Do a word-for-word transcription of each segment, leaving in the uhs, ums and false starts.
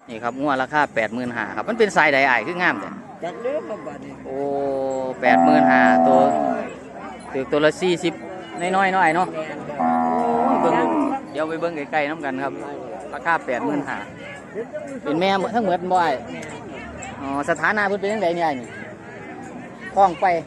นี่ครับงัวราคาแปดหมื่นห้าครับมันเป็นสายใดอ้ายคืองามแต่จักเลือกครับบัดนี้โอ้แปดหมื่นห้าตัวถือตัวละสี่สิบน้อยๆน้อยเนาะเบิ้งเดี๋ยวไปเบิ้งไกลๆน้ำกันครับราคาแปดหมื่นห้าเป็นแม่ทั้งหมดบ่อยอ๋อสถานะเพิ่นเป็นยังไงเนี่ยนี่คล้องไป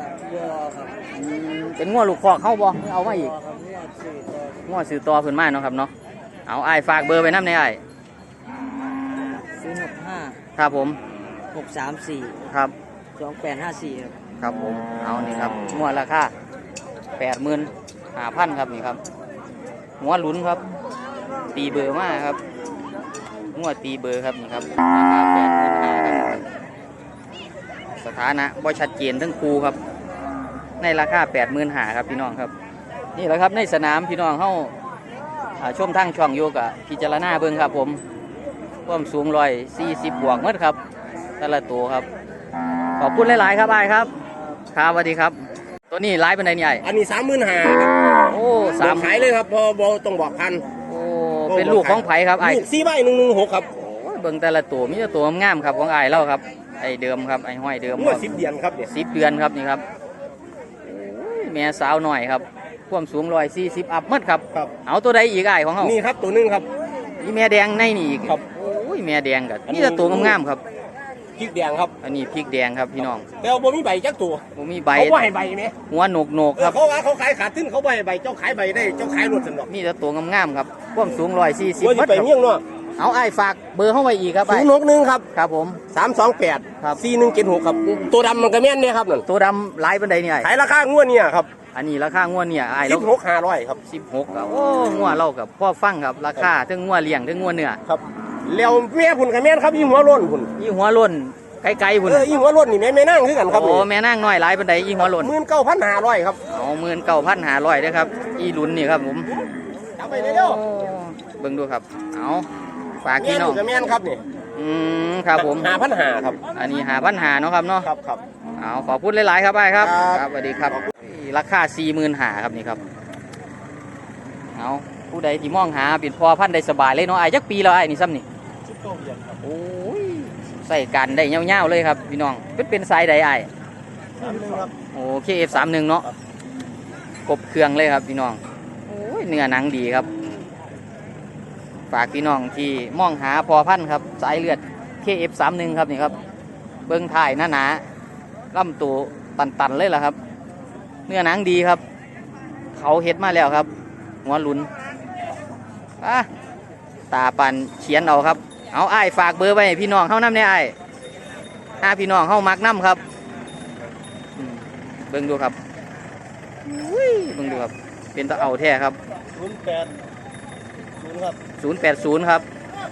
เป็นงัวลูกคอกเข้าบ่เอามาอีกงัวซื้อต่อเพิ่นมาเนาะครับเนาะเอาอ้ายฝากเบอร์ไว้น้ำในอ้ายศูนย์หกห้าครับผมหกสามสี่ครับสองแปดห้าสี่ครับครับผมเอานี่ครับงัวราคาแปดหมื่นห้าพันครับนี่ครับหัวหลุนครับตีเบอร์มากครับงัวตีเบอร์ครับนี่ครับราคาแปดหมื่นห้าครับสถานะบ่ชัดเจนทั้งคู่ครับในราคาแปดหมื่นห้าครับพี่น้องครับนี่แหละครับในสนามพี่น้องเข้าชมทั้งช่องโยกะพิจารณาเบิ้งครับผมความสูงร้อยสี่สิบบวกเมื่อครับแต่ละตัวครับขอบคุณหลายๆครับไอ้ครับครับสวัสดีครับตัวนี้ไลฟ์เป็นไงนี่ไอ้อันนี้สามหมื่นห้าโอ้สามขายเลยครับพอบอต้องบอกพันโอ้เป็นลูกของไผ่ครับไอ้สี่ใบหนึ่งหนึ่งหกครับเบิ้งแต่ละตัวมีแต่ตัวงามครับของไอ้เล่าครับไอ้เดิมครับไอ้ห้อยเดิมเมื่อสิบเดือนครับเนี่ยสิบเดือนครับนี่ครับแม่สาวหน่อยครับความสูงร้อยสี่สิบอัพมัดครับเอาตัวใดอีกไอ้ของเขานี่ครับตัวนึงครับนี่แม่แดงในนี่อีกครับโอ้ยแม่แดงกับนี่แต่ตัวงามๆครับพริกแดงครับอันนี้พริกแดงครับพี่น้องแล้วบ่มีใบจักตัวบ่มีใบเขาบ่ให้ใบไหมหัวโหนกโหนกครับเขาว่าเขาขายขาดทุนเขาบ่ให้ใบเจ้าขายใบได้เจ้าขายรถสนุกนี่แต่ตัวงามๆครับความสูงร้อยสี่สิบมัดไปเมี่ยงเนาะเอาไอ้ฝากเบอร์เข้าไปอีกครับไอ้ศูนย์หกหนึ่งครับครับผมสามสองแปดสี่หนึ่งเจ็ดหกครับตัวดำมันก็แม่นเนี่ยครับนั่นตัวดำลายบันไดเนี่ยขายราคางวดเนี่ยครับอันนี้ราคางวดเนี่ยไอ้สิบหกห้าร้อยครับสิบหกครับโอ้งวดเรากับพ่อฟังครับราคาทั้งงวดเลี้ยงทั้งงวดเนื้อครับแล้วแม่พุ่นกับแม่ครับยี่หัวล้นพุ่นยี่หัวล้นไกลๆพุ่นเออยี่หัวล้นนี่แม่แม่นั่งคือกันครับโอ้แม่นั่งน้อยลายบันไดยี่หัวล้นหมื่นเก้าพันห้าร้อยครับเอาหมื่นเก้าพันห้าร้อยนะครับอีหลุนนี่ครับผมจับไปเร็วเบิ่งดูครับเอาฝากพี่น้องกับแม่ครับนี่อืมครับผมห้าพันห้าครับอันนี้หาพันหาเนาะครับเนาะครับครับเอาขอพูดหลายๆครับไอ้ครับครับสวัสดีครับราคาสี่หมื่นหาครับนี่ครับเอาผู้ใดที่มองหาปิดพอพันได้สบายเลยเนาะไอ้จักปีแล้วไอ้นี่ซ้ำนี่โอ้ยใส่กันได้เงี้ยวๆเลยครับพี่น้องเป็นเป็นสายใดไอ้โอ้เคเอฟสามหนึ่งเนาะกบเครื่องเลยครับพี่น้องโอ้ยเนื้อหนังดีครับฝากพี่น้องที่มองหาพอพันครับสายเลือด เค เอฟ สามสิบเอ็ด ครับนี่ครับเบิ้งถ่ายหน้าหนาล่ำตัวตันๆเลยล่ะครับเนื้อหนังดีครับเขาเฮ็ดมาแล้วครับหัวหลุนอ่ะตาปันเขียนเอาครับเอาไอ้ฝากเบอร์ไว้พี่น้องเข้าน้ำเนี่ยไอ้ห้าพี่น้องเข้ามักน้ำครับเบิ้งดูครับเบิ้งดูครับเป็นตะเอาแท้ครับศูนย์แปดศูนย์ครับศูนย์แปดศูนย์ครับ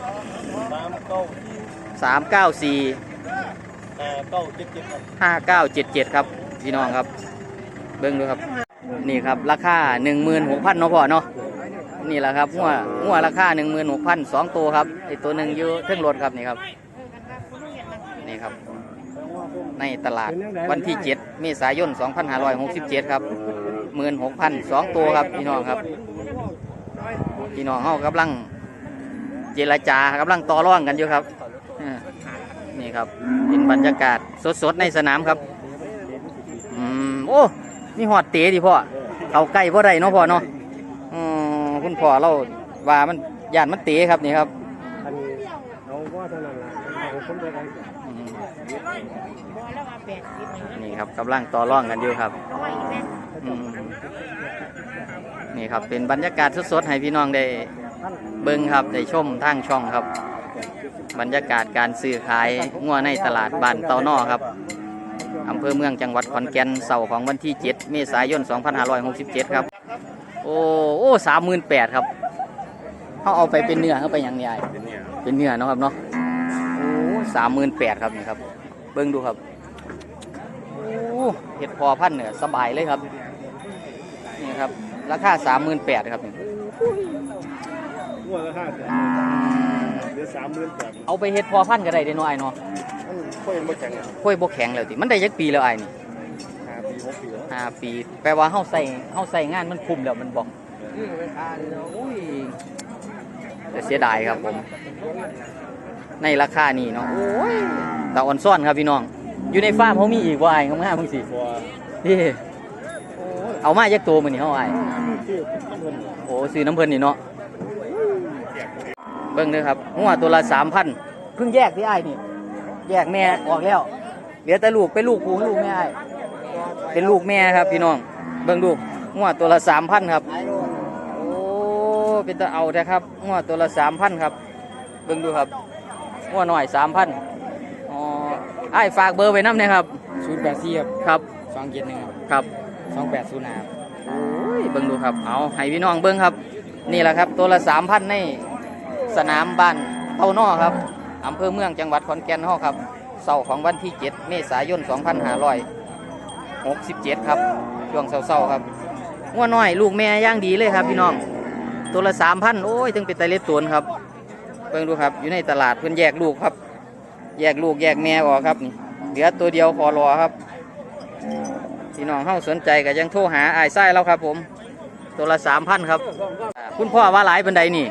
สามเก้าสี่ห้าเก้าเจ็ดเจ็ดครับห้าเก้าเจ็ดเจ็ดครับพี่น้องครับเบิ้งดูครับนี่ครับราคาหนึ่งหมื่นหกพันเนาะพ่อเนาะนี่แหละครับงัวงัวราคาหนึ่งหมื่นหกพันสองตัวครับไอตัวหนึ่งอยู่เครื่องรถครับนี่ครับนี่ครับในตลาดวันที่เจ็ดเมษายนสองพันห้าร้อยหกสิบเจ็ดครับหมื่นหกพันสองตัวครับพี่น้องครับพี่น้องเขากำลังเจรจากำลังต่อรองกันอยู่ครับนี่ครับเป็นบรรยากาศสดๆในสนามครับอืมโอ้นี่หอดเตะดิพ่อเขาใกล้พ่อใดเนาะพ่อเนาะอืมคุณพ่อเราว่ามันย่านมันเตะครับนี่ครับนี่ครับกำลังต่อรองกันอยู่ครับนี่ครับเป็นบรรยากาศสดๆให้พี่น้องได้เบิ่งครับได้ชมทางช่องครับบรรยากาศการซื้อขายงัวในตลาดบ้านเตานอครับอำเภอเมืองจังหวัดขอนแก่นเสาร์ของวันที่เจ็ดเมษายนสองพันห้าร้อยหกสิบเจ็ดครับโอ้โอ้สามหมื่นแปดครับเขาเอาไปเป็นเนื้อเขาไปอย่างใหญ่เป็นเนื้อเนาะครับเนาะโอ้สามหมื่นแปดครับนี่ครับเบิ่งดูครับโอ้เห็ดพอพันเนื้อสบายเลยครับนี่ครับราคาสามหมื่นแปดครับนี่เอาไปเห็ดพอพันก็ได้เด้น้อยเนาะค่อยบกแข็งค่อยบกแข็งแล้วติมันได้ยักปีแล้วไอ้นี่ห้าปีหกปีห้าปีแปลว่าเฮาใส่เฮาใส่งานมันคุ้มแล้วมันบอกอุ้ยแต่เสียดายครับผมในราคานี้เนาะโอ้ยตาอ่อนซ่อนครับพี่น้องอยู่ในฟาร์มเขามีอีกว่าไอ้งามๆมึงสินี่เอามาจากตัวมันนี่เขาไอ้โอ้ซื้อน้ำเพลินนี่เนาะเบิ้งเด้อครับหัวตัวละสามพันเพิ่งแยกที่ไอ้นี่แยกแม่ออกแล้วเหลือแต่ลูกเป็นลูกกูลูกแม่ไอ้เป็นลูกแม่ครับพี่น้องเบิ้งดูหัวตัวละสามพันครับโอ้เป็นตาเอาแท้ครับหัวตัวละสามพันครับเบิ้งดูครับหัวหน่อยสามพันอ๋อไอ้ฝากเบอร์ไว้น้ำนะครับศูนย์แปดสี่ครับครับสองเจ็ดหนึ่งครับสองแปดศูนย์ห้าโอ้ยเบิ้งดูครับเอาให้พี่น้องเบิ้งครับนี่แหละครับตัวละสามพันในสนามบ้านเต้านอครับอำเภอเมืองจังหวัดขอนแก่นเฮาครับเสาร์ของวันที่เจ็ดเมษายนสองพันห้าร้อยหกสิบเจ็ดครับช่วงเสาร์ๆครับงัวน้อยลูกแม่ย่างดีเลยครับพี่น้องตัวละสามพันโอ้ยถึงเป็นไตเล็ดตวนครับเบิ่งดูครับอยู่ในตลาดเพิ่นแยกลูกครับแยกลูกแยกแม่ออกครับนี่เหลือตัวเดียวพอรอครับพี่น้องเฮาสนใจก็ยังโทรหาอ้ายไส้แล้วครับผมตัวละสามพันครับอ่าคุณพ่อว่าหลายเป็นใดนี่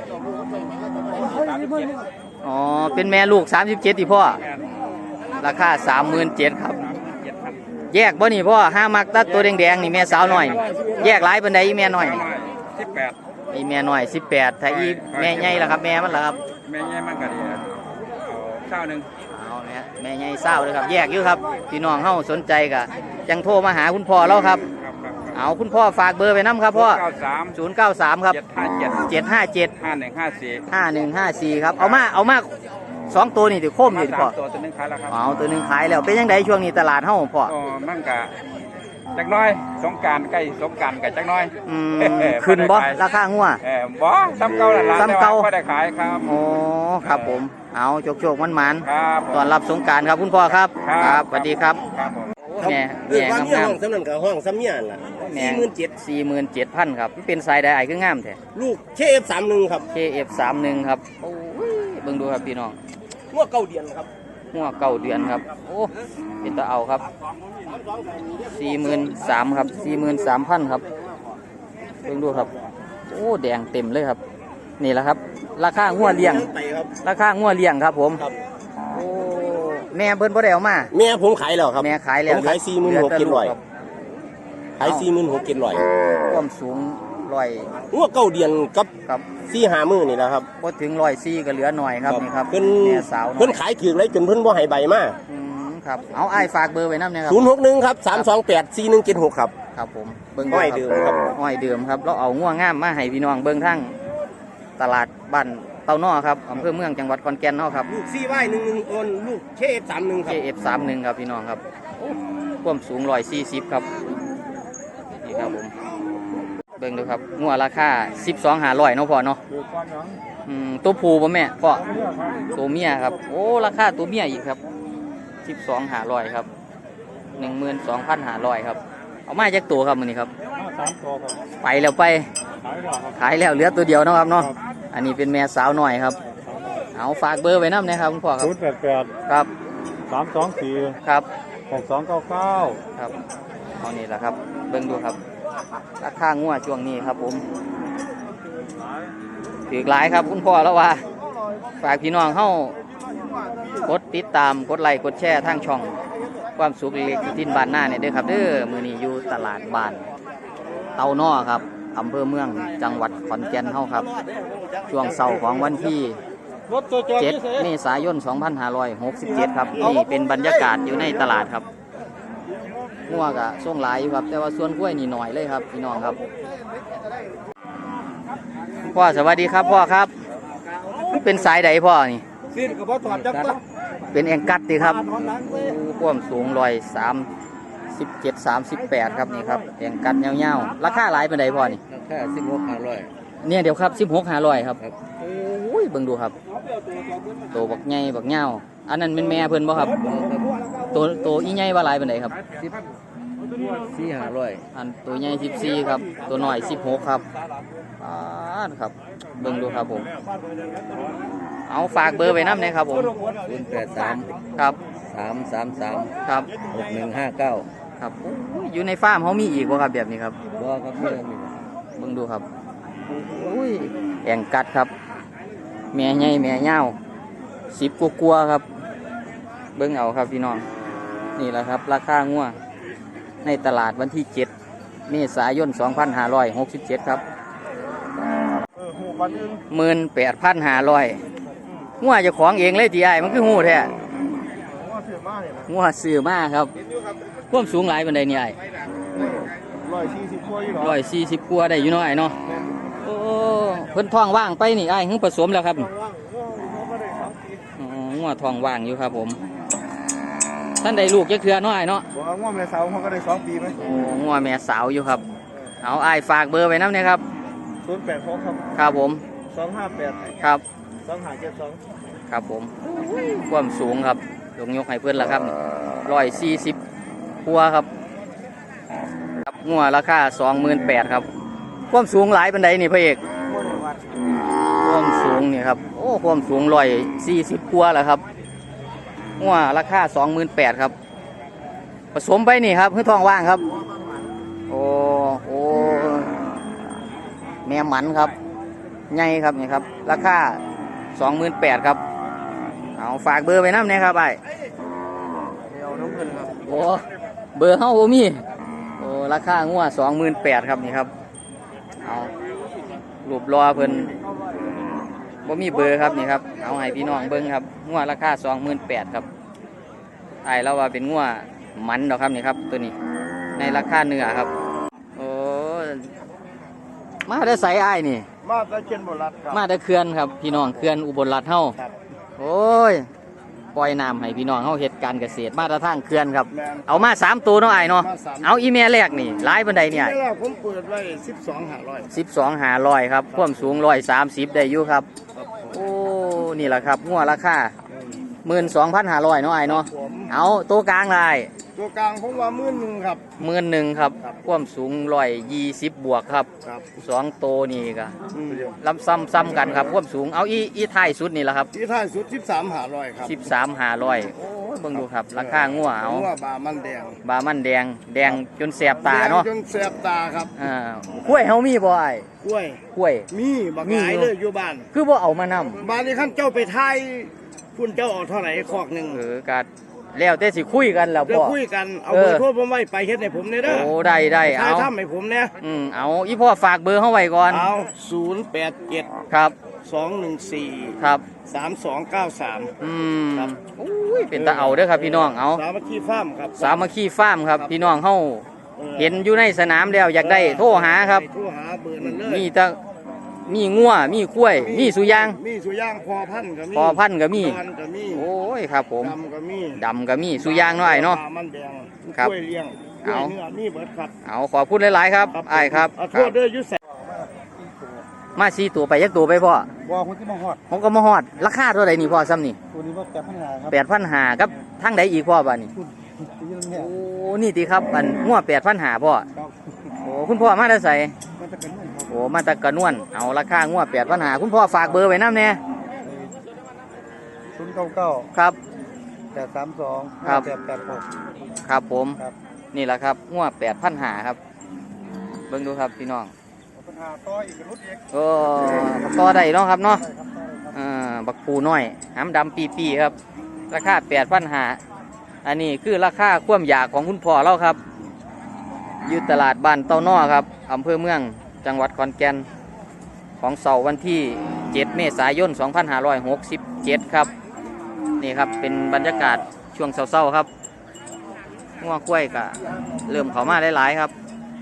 อ๋อเป็นแม่ลูกสามสิบเจ็ดที่พ่อราคาสามหมื่นเจ็ดครับแยกบ่นี่พ่อห้ามักตัดตัวแดงๆนี่แม่สาวหน่อยนี่แยกหลายเป็นใดอีแม่หน่อยนี่สิบแปดอีแม่หน่อยสิบแปดถ้าอีแม่ใหญ่ล่ะครับแม่มันล่ะครับแม่ใหญ่มันก็ดีนะเอาเช้าหนึ่งเอาเนี่ยแม่ใหญ่เศร้าเลยครับแยกอยู่ครับพี่น้องเฮาสนใจก็จังโทรมาหาคุณพ่อเราครับครับครับเอาคุณพ่อฝากเบอร์ไปน้ำครับพ่อเก้าสามศูนย์เก้าสามครับเจ็ดห้าเจ็ดเจ็ดห้าเจ็ดห้าหนึ่งห้าสี่ห้าหนึ่งห้าสี่ครับเอามาเอามาสองตัวนี่ถือโค้มมาอยู่สาพ่อมตัวตัวหนึงขายแล้วครับเอาตัวหนึ่งขายแล้วเป็นยังไงช่วงนี้ตลาดเฮาพ่อก็มั่งกะจักหน้อยสงกรารใกล้สงกรารกับจักหน้อยอืมขึ้นบ่ราคางัวเออบ่ซ้ำเก่าแหละร้านซ้ำเก่าไม่ได้ขายครับโอ้ครับผมเอาโชคโชคมันมันครับๆตอนรับสงกรารครับคุณพ่อครับครับสวัสดีครับครับผมแม่เรื่องแม่ว่าเมียงามห้องสำนันกับห้องซ้ำเมียนล่ะๆสี่หมื่นเจ็ดสี่หมื่นเจ็ดพันครับเป็นสายใดไอ้คืองามแท้ลูกเคเอฟสามหนึ่งครับเค เอฟ สามสิบครับโอ้ยเบิ่งดูครับพี่น้องงัวเก้าเดียนครับหัวเก่าเดือนครับโอ้เป็นตะเอาครับสี่หมื่นสามครับสี่หมื่นสามพันครับเบิ่งดูครับโอ้แดงเต็มเลยครับนี่แหละครับราคางัวเลี้ยงไปครับราคางัวเลี้ยงครับผมครับโอ้แม่เพิ่นบ่ได้เอามาแม่ผมขายแล้วครับแม่ขายแล้วผมขายสี่หมื่นหกลืเจ็ดร้อยแต่ลูคบขายสี่หมื่นหกเจ็ดร้อยความสูงร้อยงัวเก้าเดียนกับครับสี่หามือนี่แหละครับบ่ถึงร้อยสี่ก็เหลือหน่อยครับนี่ครับเพิ่นแม่สาวน้อเพิ่นยขายถือเลยจนเพิ่นบ่ให้ใบมาอืมครับเอาอ้ายฝากเบอร์ไว้นำนะครับศูนย์หกหนึ่งครับสามสองแปดสี่หนึ่งเจ็ดหกครับครับผมเบิ่งห้อยครับเดิมครับห้อยเดิมครับเราเอาง่วงงามมาให้พี่น้องเบิ่งทั้งตลาดบ้านเต้านอครับอำเภอเมืองจังหวัดขอนแก่นเนาะครับลูกซีไว้หนึ่งหนึ่งโอนลูกเคเอฟสามหนึ่งคเครับเอฟสามหนึ่งครับพี่น้องครับความสูงร้อยสี่สิบครับนี่ครับผมเบิ่งดูครับงัวราคาสิบสองหาร้อยเนาะพ่อเนาะอืมตัวผู้ป่ะแม่พ่อตัวเมียครับโอ้ราคาตัวเมียอีกครับสิบสองหาร้อยครับหนึ่งหมื่นสองพันหาร้อยครับเอามาจากตัวครับมือนี้ครับสามตัวครับไปแล้วไปขายแล้วครับขายแล้วเหลือตัวเดียวเนาะครับเนาะอันนี้เป็นแม่สาวหน่อยครับเอาฝากเบอร์ไว้น้ำนะครับคุณพ่อครับศูนย์แปดแปดครับสามสองสี่ครับหกสองเก้าเก้าครับเอานี่แหละครับเบิ่งดูครับราคางัวช่วงนี้ครับผมถือหลายครับคุณพ่อแล้วว่าฝากพี่น้องเข้ากดติดตามกดไลค์กดแชร์ทางช่องความสุขเล็กๆที่บ้านหน้าเนี่ยเด้อครับเด้อมื้อนี้อยู่ตลาดบ้านเตานอครับอำเภอเมืองจังหวัดขอนแก่นเฮาครับช่วงเสาร์ของวันที่เจ็ดเมษายนสองพันห้าร้อยหกสิบเจ็ดครับนี่เป็นบรรยากาศอยู่ในตลาดครับงัวกะช่วงหลายอยู่ครับแต่ว่าส่วนกล้วยนี่หน่อยเลยครับพี่น้องครับพ่อสวัสดีครับพ่อครับเป็นสายใดพ่อนี่ซีนกับพ่อถอดจับก็เป็นแองกัดดีครับความสูงร้อยสามสิบเจ็ดสามสิบแปดครับนี่ครับแองกัดเงาๆราคาหลายเป็นใดพ่อนี่แค่สิบหกห้าร้อยเนี่ยเดี๋ยวครับสิบหกห้าร้อยครับโอ้ยเบิ่งดูครับโตบักใหญ่บักเงาอันนั้นเป็นแม่เพิ่นบ่ครับตัวตัวอีใหญ่ว่าหลายเป็นใดครับสิบสี่ห้าร้อยอันตัวใหญ่สิบสี่ครับตัวน้อยสิบหกครับอ่าครับเบิ่งดูครับผมเอาฝากเบอร์ไว้น้ำนะครับผมศูนย์แปดสามครับสามสามสามครับหกหนึ่งห้าเก้าครับโอ้ยอยู่ในฟาร์มเขามีอีกบ่ครับแบบนี้ครับบ่ครับเมื่อนี้เบิ่งดูครับอุ้ยแองกัดครับ แม่ใหญ่แม่ยาวสิบกลัวาๆครับเบิ้งเอาครับพี่น้องนี่แหละครับราคางัวในตลาดวันที่เจ็ดเมษายนสองพันห้าร้อยหกสิบเจ็ดครับหมื่นแปดพันห้าร้อยงัวเจะของเองเลยทีไอมันคือหูแท้งัวซื้อมาครับความสูงหลายบันไดนี่ไอร้อยสี่สิบกว่าอยู่ร้อยสี่สิบกว่าได้อยู่น้อยเนาะโอ้เพิ่นท้องว่างไปนี่ไอ้เพิ่งผสมแล้วครับอ๋องัวท้องว่างอยู่ครับผมท่านได้ลูกจะเคือน้อยเนาะงัวแม่สาวเขาก็ได้สองปีไหมโอ้งัวแม่สาวอยู่ครับเอาไอ้ฝากเบอร์ไว้น้ำเนี่ยครับศูนย์แปดหกครับครับผมสองห้าแปดครับสองห้าเจ็ดสองครับผมความสูงครับลงยกให้เพื่อนละครับร้อยสี่สิบพัวครับครับงัวราคาสองหมื่นแปดครับความสูงหลายปันไดนี่พระเอกความสูงนี่ครับโอ้ความสูงร้อยสี่สิบพัวแหละครับงัวราคาสองหมื่นแปดครับผสมไปนี่ครับเพื่อทองว่างครับโอ้โอ้แม่หมันครับใหญ่ครับนี่ครับราคาสองหมื่นแปดครับเอาฝากเบอร์ไปน้ำเนี่ยครับไอ้โอ้เบอร์เฮาโอมีโอ้ราคางัวสองหมื่นแปดครับนี่ครับเอารูปรอเพิ่นบ่มีเบอร์ครับนี่ครับเอาให้พี่น้องเบิ้งครับงัวราคาสองหมื่นแปดครับไอ้เราว่าเป็นงัวมันดอกครับนี่ครับตัวนี้ในราคาเนื้อครับโอ้มาได้ใส่ไอ้นี่มาได้เชียนบรัดครับมาได้เขื่อนครับพี่น้องเขื่อนอุบลรัฐเฮาโอ้ยปล่อยน้ำให้พี่น้องเฮาเฮ็ดการเกษตรมาตรฐานเขื่อนครับเอามาสามตัวเนาะไอ้เนาะเอาอีเมลแรกนี่หลายบันไดเนี่ยผมเปิดไว้สิบสองห้าร้อยสิบสองห้าร้อยครับความสูงร้อยสามสิบได้อยู่ครับโอ้นี่แหละครับงัวราคาหมื่นสองพันห้าร้อยเนาะไอ้เนาะเอาตัวกลางลายตัวกลางผมว่าหมื่นหนึ่งครับหมื่นหนึ่งครับความสูงร้อยยี่สิบบวกครับสองโตนี่ก็ลำซ้ำซ้ำกันครับความสูงเอาอีอีท้ายสุดนี่แหละครับอีท้ายสุดสิบสามห้าร้อยครับสิบสามห้าร้อยโอ้เบิ่งดูครับราคางัวเอางัวบามันแดงบามันแดงแดงจนแสบตาเนาะจนแสบตาครับอ่ากล้วยเฮามีบ่ไอ้กล้วยกล้วยมีบักหลายเลยอยู่บ้านคือบ่เอามานำบ้านนี้ขั้นเจ้าไปไทยคุณเจ้าออกเท่าไหร่คอกหนึ่งเออกัดแล้วแต่สิคุยกันแล้วพ่อคุยกันเอาเบอร์โทรผมไว้ไปเฮ็ดให้ผมเนี่ยเด้อโอ้ได้ได้เอาทำให้ผมเนี่ยอืมเอาอีพ่อฝากเบอร์เฮาไว้ก่อนเอาศูนย์แปดเจ็ดครับสองหนึ่งสี่ครับสามสองเก้าสามอืมครับโอ้ยเป็นตาเอาเด้อครับพี่น้องเอาสามัคคีฟาร์มครับสามัคคีฟาร์มครับพี่น้องเฮาเห็นอยู่ในสนามแล้วอยากได้โทรหาครับโทรหาเบอร์นั้นเลยมีแต่มีงัวมีกล้วยมีสุยางมีสุยางพอพันก็มีพอพันก็มีก็มีโอ้ยครับผมดำก็มีดำก็มีสุยางน้อยเนาะมันแดงครับกล้วยเลี้ยงเอาเนื้อมีเบิดครับเอาขอพูดหลายๆครับไอ้ครับโทษด้วยยุทธมาสี่ตัวไปยักตัวไปพ่อว่าคนที่มาฮอดผมก็มาฮอดราคาเท่าไหร่นี่พ่อซ้ำนี่ตัวนี้ว่าแปดพันห้าครับแปดพันห้าครับทั้งใดอีกพ่อบ้านี่โอ้นี่ตีครับอันงัวแปดพันห้าพ่อโอ้คุณพ่อมาได้ใส่โอ้มาตะกระนวนเอาราคางัวแปดพันห้าคุณพ่อฝากเบอร์ไว้น้ำเนี่ยศูนย์เก้าเก้าครับแปดสามสองครับแปดแปดหกครับผมนี่แหละครับงัวแปดพันห้าครับเบิ่งดูครับพี่น้องโอ้ต่อได้เนาะครับเนาะอ่าบักปูน้อยหำดำปีปีครับราคาแปดพันห้าอันนี้คือราคาความอยากของคุณพ่อเราครับอยู่ตลาดบ้านเต้านอครับอำเภอเมืองจังหวัดขอนแก่นของเสาร์วันที่เจ็ดเมษายนสองพันห้าร้อยหกสิบเจ็ดครับนี่ครับเป็นบรรยากาศช่วงเช้าๆครับงัวกล้วยก็เริ่มเข้ามาหลายๆครับ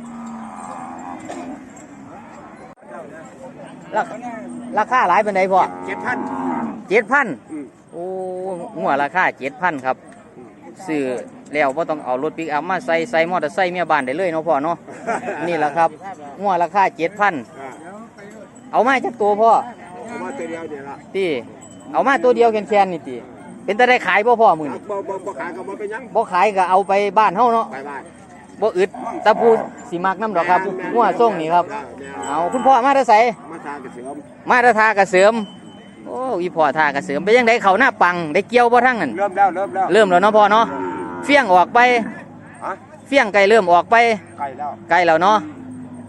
ราคาหลายเป็นไงพ่อเจ็ดพันเจ็ดพันโอ้งัวราคาเจ็ดพันครับซื้อแล้วว่าต้องเอารถปิกอัพมาใส่ใส่มอเตอร์ไซค์เมียบ้านได้เลยเนาะพ่อเนาะนี่แหละครับงัวราคาเจ็ดพันเอามาจากตัวพ่อเอามาตัวเดียวเดี๋ยวละตีเอามาตัวเดียวแค่ๆนี่ตีเป็นแต่ได้ขายบ่พ่อมือนี่บ่บ่บ่ขายก็บ่เป็นยังบ่ขายก็เอาไปบ้านเฮาเนาะไปบ้านบ่อึดตะปูสีมักน้ำดอกครับงัวส่งนี่ครับเอาคุณพ่อมาได้ใส่มาทากระเสริมมาได้ทากระเสริมโอ้อีพ่อทากระเสริมไปยังไดเขาหน้าปังได้เกี่ยวบ่ทั้งนั้นเริ่มแล้วเริ่มแล้วเริ่มแล้วเนาะพ่อเนาะเฟี้ยงออกไปเฟี้ยงไก่เริ่มออกไปไก่แล้วไก่แล้วเนาะเ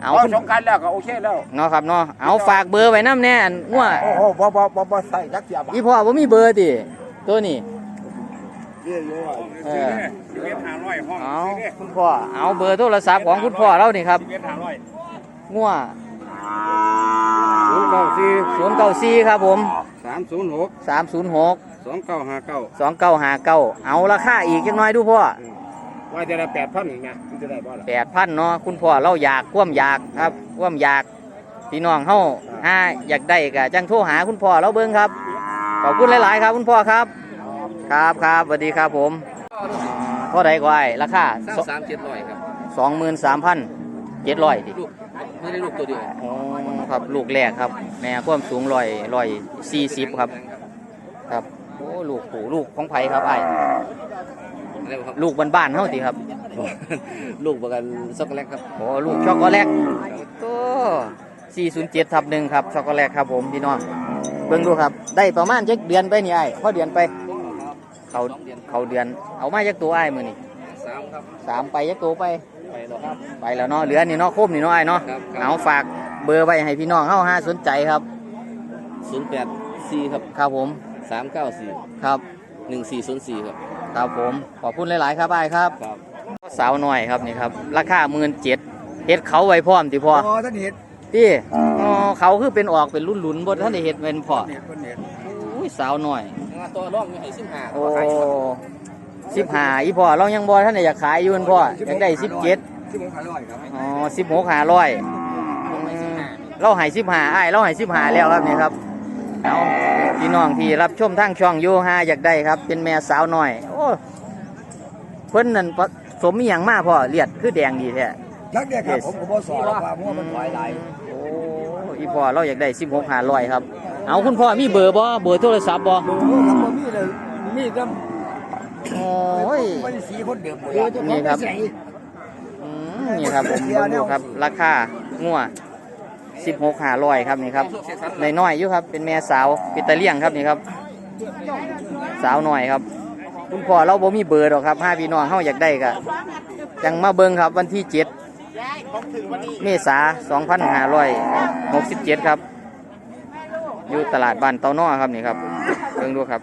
เอาเอาสงกรารแล้วก็โอเคแล้วเนาะครับเนาะเอาฝากเบอร์ไว้น้ำแน่งัวโอ้โหบ่บ่บ่บ่ใส่จักเสียบอีพ่อบ่มีเบอร์ติตัวนี้เรียกอยู่ว่าเออสิบเอ็ดห้าร้อยห้องเอาคุณพ่อเอาเบอร์โทรศัพท์ของคุณพ่อเรานี่ครับสิบเอ็ดห้าร้อยงัวศูนย์เก้าสี่ศูนย์เก้าสี่ครับผมสามศูนย์หกสามศูนย์หกสองเก้าห้าเก้าสองเก้าห้าเก้าเอาราคาอีกจักหน่อยดูพ่อว่าจะได้แปดพันอีกนะมันจะได้บ่ล่ะแปดพันเนาะคุณพ่อเราอยากคว่ำอยากครับคว่ำอยากพี่น้องเฮาห้าอยากได้ก็จังโทรหาคุณพ่อเราเบิ่งครับขอบคุณหลาย ๆ ครับคุณพ่อครับ ครับครับสวัสดีครับผมเท่าใดก็ไอ้ราคาสามเจ็ดร้อยครับสองหมื่นสามพันเจ็ดร้อยดิลูกไม่ได้ลูกตัวเดียวอ๋อครับลูกแรกครับแม่ความสูงร้อยร้อยสี่สิบครับครับโอ้ลูกปู่ลูกของไผครับไอ้อะไรครับลูกบ้านๆเฮาติครับลูกประกันช็อกโกแลตครับโอ้ลูกช็อกโกแลตตัวสี่ศูนย์เจ็ดทับหนึ่งครับช็อกโกแลตครับผมพี่น้องเบิ่งดูครับได้ประมาณจักเดือนไปนี่ไอ้พอเดือนไปเขาเขาเดือนเอามาจักตัวไอ้มือนี่สามครับสามไปจักตัวไปไปแล้วครับไปแล้วเนาะเหลือนี่เนาะคมนี่เนาะไอ้เนาะครับครับเอาฝากเบอร์ไว้ให้พี่น้องเฮาห้าสนใจครับศูนย์แปดสี่ครับครับผมสามเก้าสี่ครับหนึ่งสี่ศูนย์สี่ครับครับผมขอบคุณหลาย ๆ ครับไอ้ครับครับสาวหน่อยครับนี่ครับราคาหมื่นเจ็ดเฮ็ดเขาไว้พร้อมติพ่ออ๋อท่านเห็ดที่อ๋อเขาคือเป็นออกเป็นรุ่นหลุนบนท่านได้เฮ็ดเป็นพ่อเห็ดคนเห็ดอุ้ยสาวหน่อยตัวร่องมีให้สิบห้าโอ้สิบห้าอีพ่อเรายังบอท่านได้อยากขายอยู่เพิ่นพ่ออยากได้สิบเจ็ดที่ผมขายร้อยครับอ๋อสิบหกห้าร้อยเราให้สิบห้าอ้ายเราให้สิบห้าแล้วครับนี่ครับเอาพี่น้องที่รับชมทางช่องโยฮาอยากได้ครับเป็นแม่สาวหน่อยโอ้เพิ่นนั่นผสมอีหยังมาพ่อเลียดคือแดงดีแท้นักเด็กครับผมก็บ่สอนหรอกว่ามั่วมันถอยไหลโอ้อีพ่อเราอยากได้สิบหกห้าร้อยครับเอาคุณพ่อมีเบอร์บ่เบอร์โทรศัพท์บ่ดูครับบ่มีเลยมีแต่โอ้ยไม่ได้สีคนเดิมหมดนี่ครับ อืมนี่ครับผมเบิ่งดูครับราคางัวสิบหกห้าร้อยครับนี่ครับในน้อยๆอยู่ครับเป็นแม่สาวปิตาเลียงครับนี่ครับสาวหน่อยครับ คุณพ่อเราบ่มีเบอร์หรอกครับห้าพี่น้องเฮาอยากได้ก็จังมาเบิ่งครับวันที่เจ็ดเมษาสองพันห้าร้อยหกสิบเจ็ดครับอยู่ตลาดบ้านเตาน้อครับนี่ครับเบิ่งดูครับ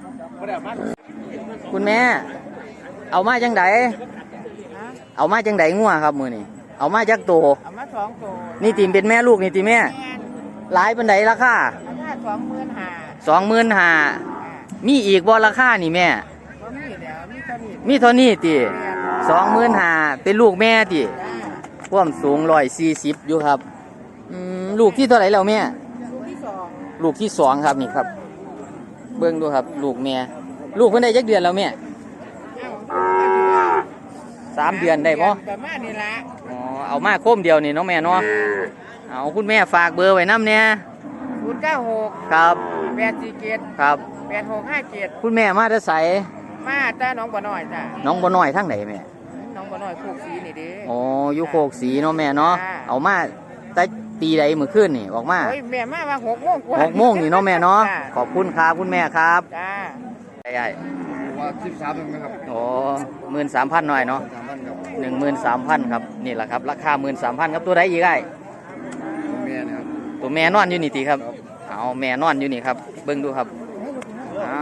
คุณแม่เอามาจังไดเอามาจังไดงัวครับมือนี่เอามาจักโตเอามาสองตัวนี่ตีมเป็นแม่ลูกนี่ตีแม่แม่นหลายปันไดราคาราคาสองหมื่นห้าสองหมื่นห้ามีอีกบ่ราคานี่แม่บ่มีแล้วมีเท่านี้มีเท่านี้ติสองหมื่นห้าเป็นลูกแม่ติความสูงร้อยสี่สิบอยู่ครับอืมลูกที่เท่าไหร่แล้วแม่ลูกที่สองลูกที่สองครับนี่ครับ เบิ่งดูครับ ลูกแม่ลูกเพิ่นได้จักเดือนแล้วแม่เอ้าอายุว่าสามเดือนได้บ่ประมาณนี้ละอ๋อเอามาโคมเดียวนี่เน้องแม่เนาะเอาคุณแม่ฝากเบอร์ไว้น้ำเนี่ยศูนย์เก้าหกครับแปดสี่เจ็ดครับแปดหกห้าเจ็ดคุณแม่มาจะใสมาจ้าน้องบ่อน้อยจ้าน้องบ่น้อยทั้งไหนแม่น้องบ่อน้อยโคกสีนี่เด้อ๋ออยู่โคกสีเนาะแม่เนาะจ้าเอามาแต่ตีใดมื้อคืนนี่ออกมาโอ้ยแม่มาว่าหกโมงกว่าหกโมงนี่เนาะแม่เนาะจ้าขอบคุณครับคุณแม่ครับจ้าใหญ่ว่าสิบสามนึงนะครับๆโอ้หมื่นสามพันหน่อยเนาะสามพันครับหนึ่งหมื่นสามพันครับนี่แหละครับราคาหมื่นสามพันครับตัวใดอีกไอ้แม่นะครับตัวแม่นอนอยู่นี่ตีครับเอาแม่นอนอยู่นี่ครับเบิ่งดูครับเอา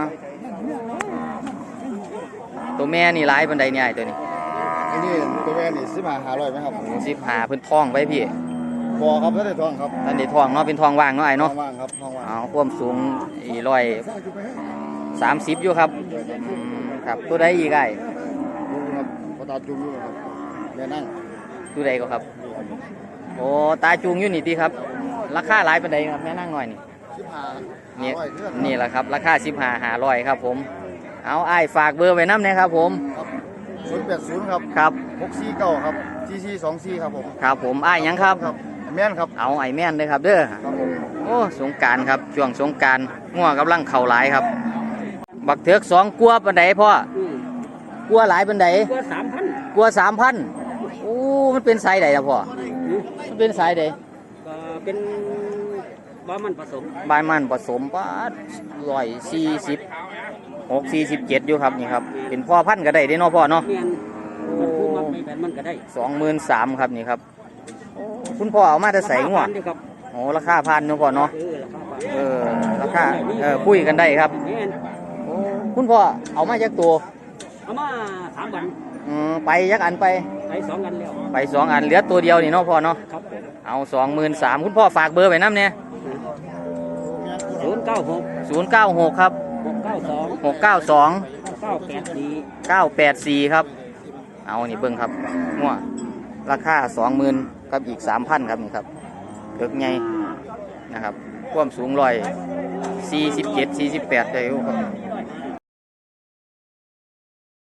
ตัวแม่นี่ร้ายบันไดเนี่ยไอ้ตัวนี้อันนี้ตัวแม่นี่สิบห้าห้าร้อยไหมครับสิบหาเพิ่นท้องไว้พี่พอครับถ้าได้ทองครับท่านได้ท้องเนาะเป็นท้องว่างเนาะไอ้เนาะว่างครับทองว่างเอาความสูงอีร้อยสามสิบอยู่ครับอืมครับตัวใดอีกไอ้ดูครับพอตาจุ่มอยู่ครับแม่นั่งตัวใดก็ครับโอ้ตาจูงอยู่นี่ตีครับ ราคาหลายปานใดครับแม่นั่งหน่อยนี่สิบห้านี่ร้อยเท่านี่แหละครับราคาสิบห้าหาร้อยครับผมเอาไอ้ฝากเบอร์ไว้น้ำนะครับผมศูนย์แปดศูนย์ครับครับหกสี่เก้าครับสี่สี่สองสี่ครับผมครับผมไอ้หยังครับครับแม่นครับเอาไอ้แม่นเลยครับเด้อครับผมโอ้สงกรารครับช่วงสงกรารง่วงกำลังเข่าหลายครับ บักเถือกสองกลัวปันไดพ่อกลัวหลายปันไดตัวสามพันกลัวสามพันโอ้มันเป็นสายใดล่ะพ่อมันเป็นสายใดก็เป็นบ้ามันผสมบายมันผสมป้าร้อยสี่สิบหกสี่สิบเจ็ดอยู่ครับนี่ครับเป็นพ่อพันธุ์ก็ได้เด้เนาะพ่อเนาะเมียนมันคือมันไม่แบบมันก็ได้สองหมื่นสามครับนี่ครับคุณพ่อเอามาแต่ใส่งัวราคาพันเดียวครับโอ้ราคาพันเนาะพ่อเนาะเออราคาพันเออราคาเออคุยกันได้ครับแม่นโอ้คุณพ่อเอามาจากตัวเอามาสามวันอืมไปยักอันไปไปสองกันแล้วไปสองอันเหลือตัวเดียวนี่เนาะพ่อเนาะครับผมเอาสองหมื่นสามคุณพ่อฝากเบอร์ไว้น้ำเนี่ยศูนย์เก้าหกศูนย์เก้าหกครับหกเก้าสองหกเก้าสองเก้าแปดสี่เก้าแปดสี่ครับเอานี่เบิ้งครับงัวราคาสองหมื่นกับอีกสามพันครับนี่ครับเลือกไงนะครับความสูงร้อยสี่สิบเจ็ดสี่สิบแปดได้อยู่ครับ